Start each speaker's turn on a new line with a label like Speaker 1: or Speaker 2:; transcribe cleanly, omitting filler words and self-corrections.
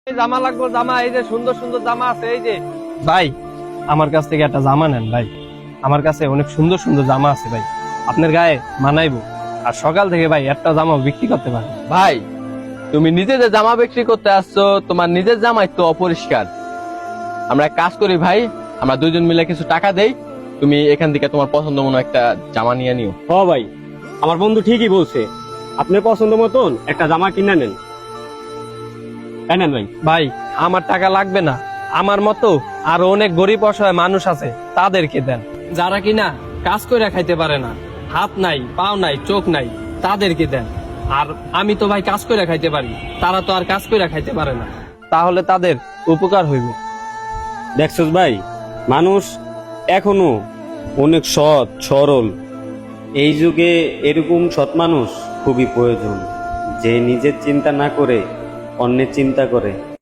Speaker 1: জামা লাগবে, জামা এই যে সুন্দর সুন্দর জামা আছে, এই যে ভাই আমার কাছ থেকে একটা জামা নেন ভাই। আমার কাছে অনেক সুন্দর সুন্দর জামা আছে ভাই, আপনার গায়ে মানাইবো। আর সকাল থেকে ভাই একটা জামা বিক্রি করতে পারেন।
Speaker 2: ভাই তুমি নিজে যে জামা বিক্রি করতে আসছো, তোমার নিজের জামাই তো অপরিষ্কার। আমরা এক কাজ করি ভাই, আমরা দুইজন মিলে কিছু টাকা দেই, তুমি এখান থেকে তোমার পছন্দ মতো একটা জামা নিয়ে নিও।
Speaker 3: হ ভাই, আমার বন্ধু ঠিকই বলছে, আপনার পছন্দ মতন একটা জামা কিনে নেন। নেন ভাই।
Speaker 1: ভাই আমার টাকা লাগবে না, আমার মতো আরো অনেক গরিব অসহায় মানুষ আছে, তাদেরকে দেন। যারা কিনা কাজ করে খাইতে পারে না, হাত নাই, পাও নাই, চোখ নাই, তাদেরকে দেন। আর আমি তো ভাই কাজ করে খাইতে পারি, তারা তো আর কাজ করে খাইতে পারে না, তাহলে তাদের উপকার হইব।
Speaker 3: দেখছস ভাই, মানুষ এখনো অনেক সৎ সরল। এই যুগে এরকম সৎ মানুষ খুবই প্রয়োজন, যে নিজের চিন্তা না করে অন্যের চিন্তা করে।